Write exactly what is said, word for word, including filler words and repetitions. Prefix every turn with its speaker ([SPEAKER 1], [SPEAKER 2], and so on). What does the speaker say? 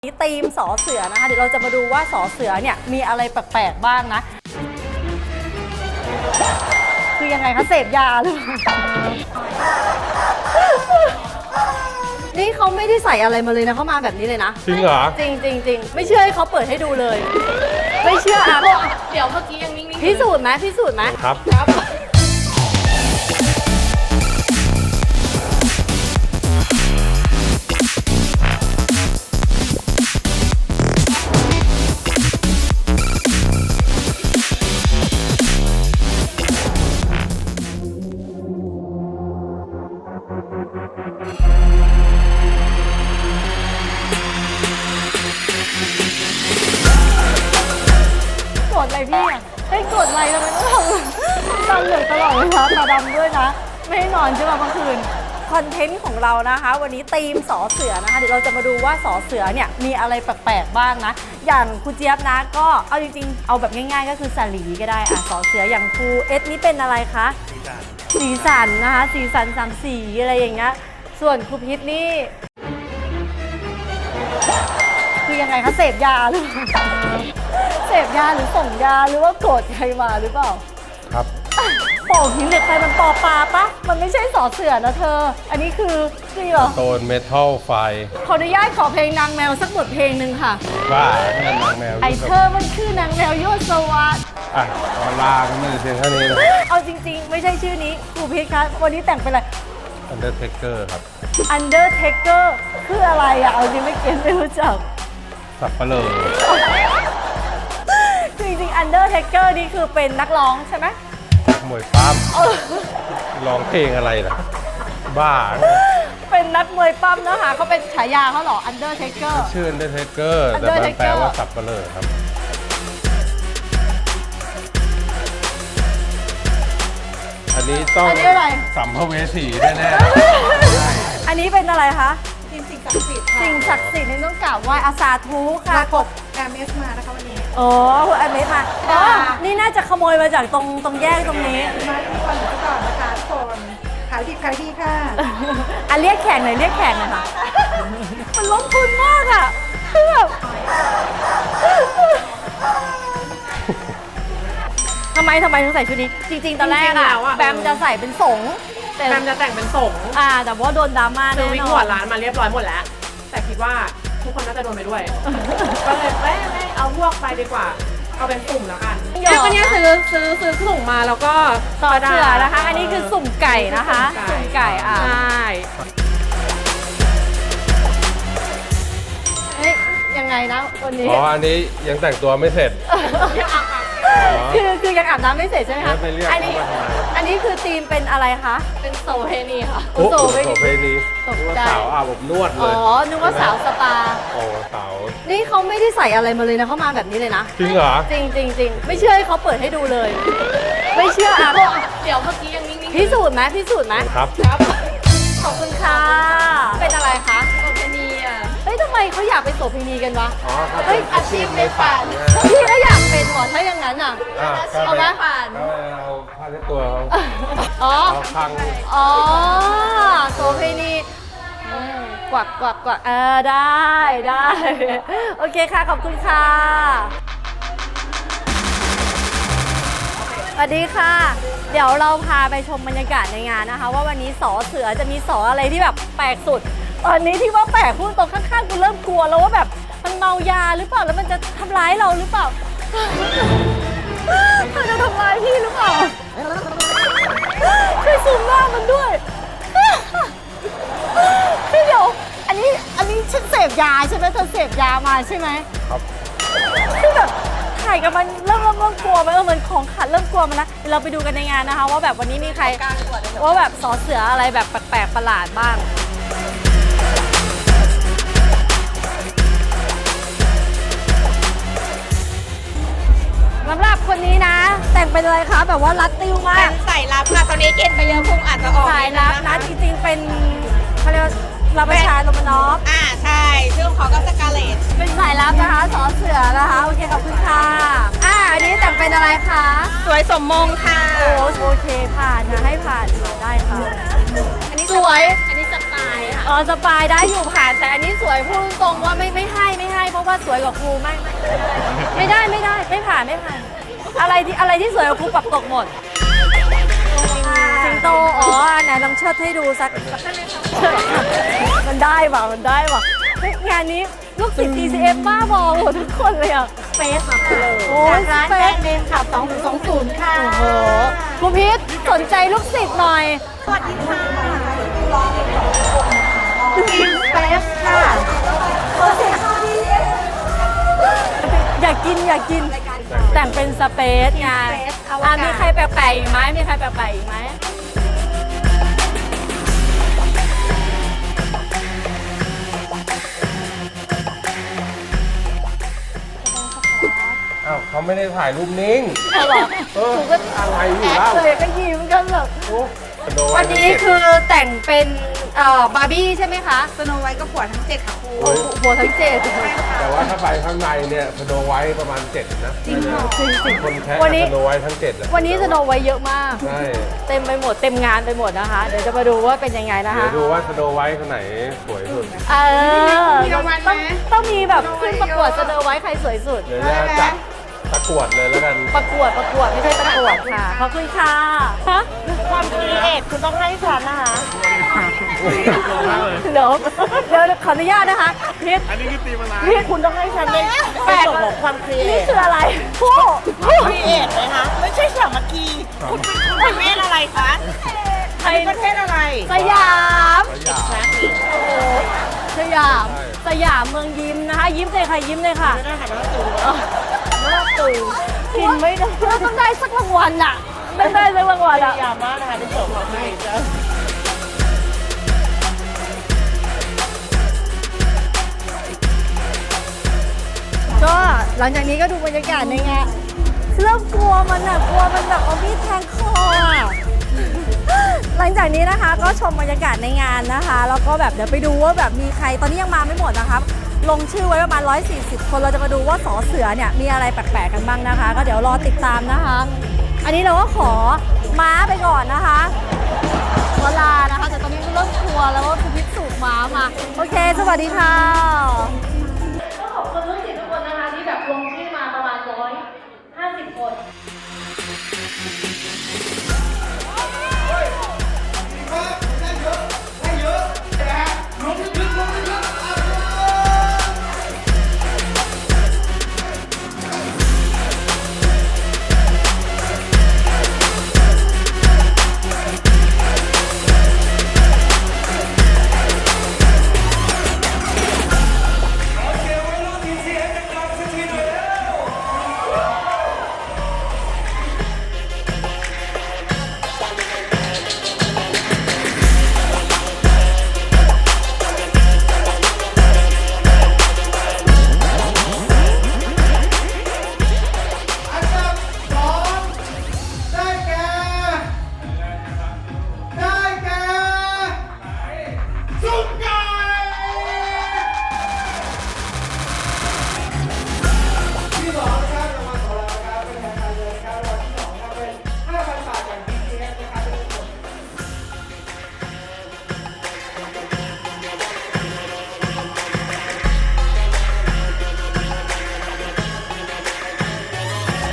[SPEAKER 1] นี้ธีมสอเสือนะคะเดี๋ยวเราจะมาดูว่าสอเสือเนี่ยมีอะไรแปลกๆบ้างนะคือยังไงคะเสพยาหรือนี่เขาไม่ได้ใส่อะไรมาเลยนะเขามาแบบนี้เลยนะ
[SPEAKER 2] จริงเหรอ
[SPEAKER 1] จริงจริงจริงไม่เชื่อให้เขาเปิดให้ดูเลย ไม่เชื่ออ่ะ
[SPEAKER 3] เดี๋ยวเมื่อกี้ยังนิ่งๆ
[SPEAKER 1] พิสูจน์ไหมพิสูจน์ไหม
[SPEAKER 2] ครับ
[SPEAKER 3] ครับ
[SPEAKER 1] กดอะไรพี่อ่ะให้กดอะไรทำไมต้องทำตาเหลือกตลอดเลยคะตาดำด้วยนะไม่ให้นอนใช่ไหมเมื่อคืนคอนเทนต์ของเรานะคะวันนี้ธีมสอเสือนะคะเดี๋ยวเราจะมาดูว่าสอเสือเนี่ยมีอะไรแปลกๆบ้างนะอย่างครูเจี๊ยบนะก็เอาจริงๆเอาแบบง่ายๆก็คือสาลีก็ได้อ่ะสอเสืออย่างครูเอสนี่เป็นอะไรคะสีสันนะคะสีสันสามสีอะไรอย่างเงี้ยส่วนครูพิษนี่คือยังไงคะเสพยาหรือเสพยาหรือส่งยาหรือว่าโกรธใครมาหรือเปล่า
[SPEAKER 2] ครับ
[SPEAKER 1] โป่งหินเหล็กไฟมันปอปลาปะมันไม่ใช่สอเสือนะเธออันนี้คือคือเหรอ
[SPEAKER 2] โซนเมทัลไฟ
[SPEAKER 1] ขออนุญาตขอเพลงนางแมวสักบทเพลงหนึ่งค่ะ
[SPEAKER 2] ว่าแม่นางแมว
[SPEAKER 1] ไอเธอมันคือนางแมวโยศสวัสดิ์
[SPEAKER 2] อ่ะออลาก็ไม่ได้เพียงเท่านี้นะ
[SPEAKER 1] เอาจริงๆไม่ใช่ชื่อนี้ครูพีทคะวันนี้แต่งเป็นอะไร
[SPEAKER 2] Undertaker ครับ
[SPEAKER 1] Undertaker คืออะไรอะเอาจริงไม่เก็ตไม่รู้จัก
[SPEAKER 2] สับปะเลอ
[SPEAKER 1] จริงๆ Undertaker นี่คือเป็นนักร้องใช่ไหม
[SPEAKER 2] มวยปั้มร้องเพลงอะไรล่ะบ้า
[SPEAKER 1] เป็นนักมวยปั้มนะคะเขาเป็นฉายาเขาเหรอ Undertaker
[SPEAKER 2] ชื่อ Undertaker แต่มันแปลว่าสับปะเลอครับอันนี้ต้องสัมภเวสีแน่
[SPEAKER 1] ๆอันนี้เป็นอะไรคะ
[SPEAKER 3] สิ่งศักดิ์สิทธิ์
[SPEAKER 1] สิ่งศักดิ์สิทธิ์นี่ต้องกราบไหว้อาสาธุค่ะ
[SPEAKER 3] กดแอมเอสมานะคะวันนี้
[SPEAKER 1] อ๋อคุณแอมเอสมาอ๋อนี่น่าจะขโมยมาจากตรงตรงแยกตรงนี้
[SPEAKER 3] มาที่ก่อนหรือก่อนนะคะทุกคนขายดีขายดีค่ะ
[SPEAKER 1] อ่ะเรียกแขกหน่อยเรียกแขกหน่อยค่ะมันลงทุนมากอ่ะคือแบบทำไมทำไมถึงใส่ชุดนี้จริงๆตอนแรกอะแบมจะใส่เป็นสง
[SPEAKER 3] แบมจะแต่งเป็นสง
[SPEAKER 1] อ่าแต่ว่าโดนดราม่าแน่นอน
[SPEAKER 3] ซื้อวิกหัวร้านมาเรียบร้อยหมดแล้วแต่คิดว่าทุกคนน่าจะโดนไปด้วยก็เลยไม่ไม่เอาพวกไปดีกว่าเอาเป็นสุ่มแล้วกันเนี่ยก็เนี่ยซื้อซื้อซื้อสุ่มมาแล้วก็
[SPEAKER 1] ต่อเสือนะคะอันนี้คือสุ่มไก่นะคะสุ่มไก่อ่ะ
[SPEAKER 3] ใช่
[SPEAKER 1] เฮ้ยยังไงนะวันนี้
[SPEAKER 2] อ๋ออันนี้ยังแต่งตัวไม่เสร็จ
[SPEAKER 1] คือคือยังอาบน้ำไม่เสร็จใช่ไหมคะ
[SPEAKER 2] อั
[SPEAKER 1] นนี้อันนี้คือธีมเป็นอะไรคะ
[SPEAKER 3] เป็นโซเพนีค่ะ
[SPEAKER 2] โอ้โซเพนีตกใจสาวอาบอบนวดเลย
[SPEAKER 1] อ๋อนึกว่าสาวสปา
[SPEAKER 2] โอ้สาว
[SPEAKER 1] นี่เขาไม่ได้ใส่อะไรมาเลยนะเขามาแบบนี้เลยนะ
[SPEAKER 2] จริงเหรอ
[SPEAKER 1] จริงจริงจริงไม่เชื่อให้เขาเปิดให้ดูเลย ไม่เชื่ออ่ะ
[SPEAKER 3] เดี๋ยวเมื่อกี้ยังนิ่ง
[SPEAKER 1] ๆพิสูจน์ไหมพิสูจน์ไหม
[SPEAKER 2] ครับ
[SPEAKER 3] ครับ
[SPEAKER 1] ขอบคุณค่ะเป็นอะไรคะ
[SPEAKER 3] โซเพนีอ่ะ
[SPEAKER 1] เฮ้ยทำไมเขาอยากเป็นโสเภณีกันวะ
[SPEAKER 2] อ๋อ
[SPEAKER 1] เฮ้ย
[SPEAKER 3] อาชีพในฝัน
[SPEAKER 1] พี่ก็อยากเป็นหรอถ้าอย่างนั้นอ่ะ
[SPEAKER 2] เอาไหมฝันเอาผ้าเช็ดตัว
[SPEAKER 1] อ๋อ
[SPEAKER 2] พัง
[SPEAKER 1] อ๋อโสเภณีกวักกวักกวักเออได้ได้โอเคค่ะขอบคุณค่ะสวัสดีค่ะเดี๋ยวเราพาไปชมบรรยากาศในงานนะคะว่าวันนี้สอเสือจะมีสออะไรที่แบบแปลกสุดตอนนี้ที่ว่าแปลกพูดตรงข้างๆกูเริ่มกลัวแล้วว่าแบบมันเมายาหรือเปล่าแล้วมันจะทำร้ายเราหรือเปล่ามันจะทำร้ายพี่หรือเปล่าช่วยซูมหน้ามันด้วยพี่เดี๋ยวอันนี้อันนี้ฉันเสพยาใช่ไหมเธอเสพยามาใช่ไหม
[SPEAKER 2] ครับ
[SPEAKER 1] คือแบบถ่ายกับมันเริ่มเริ่มเริ่มกลัวมันเออเหมือนของขัดเริ่มกลัวมันแล้วเราไปดูกันในงานนะคะว่าแบบวันนี้มีใครว่าแบบสอเสืออะไรแบบแปลกๆประหลาดบ้างสำหรับคนนี้นะแต่งเป็นอะไรคะแบบว่ารัดติ้วมาก
[SPEAKER 3] เป็นสายลับค่ะตอนนี้เกณฑ์ไปเยอะพุงอาจจะออก
[SPEAKER 1] สายลับนะจริงๆเป็นเขาเรียกว่ารับประชาโรมานอฟ
[SPEAKER 3] อ่าใช่ชื่อของเขาก็สกาเลต
[SPEAKER 1] เป็นสายลับนะคะสอเสือนะคะโอเคขอบคุณค่ะอ่าอันนี้แต่งเป็นอะไรคะ
[SPEAKER 3] สวยสมมงค่ะ
[SPEAKER 1] โอ้โอเคผ่านนะให้ผ่านได้ค่ะ
[SPEAKER 3] อันนี้
[SPEAKER 1] สวย
[SPEAKER 3] อันนี้สไตล์ค่ะ
[SPEAKER 1] อ๋อสปายได้อยู่ผ่านแต่อันนี้สวยพูดตรงๆว่าไม่ไม่ให้ไม่ให้ เพราะว่าสวยกว่าครูไม่ไม่ไม่ได้ไม่ได้ไม่ผ่านไม่ผ่าน อะไรที่อะไรที่สวยกว่าครูปรับตกหมดสิงโตอ๋อไหนลองเชิดให้ดูสักมันได้ป่ะมันได้ป่ะเฮ้ยงานนี้ลูกศิษย์ ที ซี เอฟ บ้าบอหมดทุกคนเลยอ่ะ
[SPEAKER 3] เฟสค่ะเลย
[SPEAKER 1] โอ้ย
[SPEAKER 3] จากร้าน
[SPEAKER 1] เฟ
[SPEAKER 3] แบร
[SPEAKER 1] ส
[SPEAKER 3] นด์เนมค่ะสองสองศูนย์ค่ะ
[SPEAKER 1] โอ้โหครูพิษสนใจลูกศิษย์หน่อย
[SPEAKER 3] สวัสดีค่ะทีมเฟสค่ะ
[SPEAKER 1] อยากกินอยากกิน แต่งเป็นสเปซไงอ่ะมีใครแปลกๆอีกไหมมีใครแปลกๆอีกไหม
[SPEAKER 2] อ้าวเขาไม่ได้ถ่ายรูปนิ่ง
[SPEAKER 1] เอาเหรอ
[SPEAKER 2] เออ
[SPEAKER 1] กูก็
[SPEAKER 2] อะไรอยู่
[SPEAKER 1] แอ
[SPEAKER 2] แล้
[SPEAKER 1] คว เลยก็ยิ้มกันแบบ
[SPEAKER 2] โอ้โด
[SPEAKER 1] วันนี้คือแต่งเป็นเอ่อบาร์บี้ใช่ไหมคะ
[SPEAKER 3] สโนไวท์ก็ปวดทั้งเจ็ดค่ะครู
[SPEAKER 2] โอ้ย
[SPEAKER 1] หัวทั้งเจ็ด
[SPEAKER 2] แต่ว่าถ้าไปข้างในเนี่ยสโนไวท์ประมาณเจ็ดนะ
[SPEAKER 1] จริงเหรอจริงจริง
[SPEAKER 2] คนแค่
[SPEAKER 1] วันนี้
[SPEAKER 2] สโนไวท์ทั้งเจ็ดอะ
[SPEAKER 1] วันนี้สโนไว้เยอะมาก
[SPEAKER 2] ใช่
[SPEAKER 1] เต็มไปหมดเต็มงานไปหมดนะคะ เดี๋ยวจะมาดูว่าเป็นยังไงนะ
[SPEAKER 2] เดี๋ย
[SPEAKER 1] คะ
[SPEAKER 2] วดูว่าสโนไวท์คนไหนสวยสุด
[SPEAKER 1] เออ
[SPEAKER 3] มีรางวัลไหม
[SPEAKER 1] ต้องต้องมีแบบขึ้นประกวดสโนไว้ใครสวยสุด
[SPEAKER 2] เดี๋ยวจะจัดประกวดเลยแล้วกัน
[SPEAKER 1] ประกวดประกวดไม่ใช่ประกวดค่ะขอบคุณค่ะฮะ
[SPEAKER 3] ความครีเอทคุณต้องให้ฉันนะคะ
[SPEAKER 1] เดี๋ยวเดี๋ยวขออนุญาตนะคะพีท
[SPEAKER 4] อันนี้คือตีมอะไร
[SPEAKER 1] พีท
[SPEAKER 3] คุณต้องให้ฉันเลยแปดของความครีเอ
[SPEAKER 1] นี่
[SPEAKER 3] ท
[SPEAKER 1] คืออะไรผู้
[SPEAKER 3] ครีเอทเลยคะไม่ใช่สามัคคีคุณเป็นประเทศอะไรคะ
[SPEAKER 1] ไท
[SPEAKER 3] เป็
[SPEAKER 1] ย
[SPEAKER 3] นประเทศอะไร
[SPEAKER 1] สยาม
[SPEAKER 2] สยาม
[SPEAKER 1] โอ้โหสยามสยามเมืองยิ้มนะคะ ยิ้มเลยค่ะยิ้มเลยค่ะ
[SPEAKER 3] ไม่ได้ค่ะไม่ต้องตู
[SPEAKER 1] ไม่ต้องตื่นกินไม่ได้ต้องได้สักรางวัลอ่ะไม่ได้สักรางวัลอ่ะ
[SPEAKER 3] ยามมากนะคะในโฉมของครีเอทจ้ะ
[SPEAKER 1] ก็หลังจากนี้ก็ดูบรรยากาศในงานเริ่มกลัวมันอ่ะกลัวมันแบบเอามีดแทงคออ่ะ หลังจากนี้นะคะก็ชมบรรยากาศในงานนะคะแล้วก็แบบเดี๋ยวไปดูว่าแบบมีใครตอนนี้ยังมาไม่หมดนะคะลงชื่อไว้ประมาณหนึ่งร้อยสี่สิบคนเราจะมาดูว่าสอเสือเนี่ยมีอะไรแปลกๆกันบ้างนะคะ ก็เดี๋ยวรอติดตามนะคะ อันนี้เราก็ขอม้าไปก่อนนะคะเวลานะคะแต่ตอนนี้ก็เริ่มกลัวแล้วว่าคุณพิสูจน์ม้ามาโอเค สวัสดีค่ะ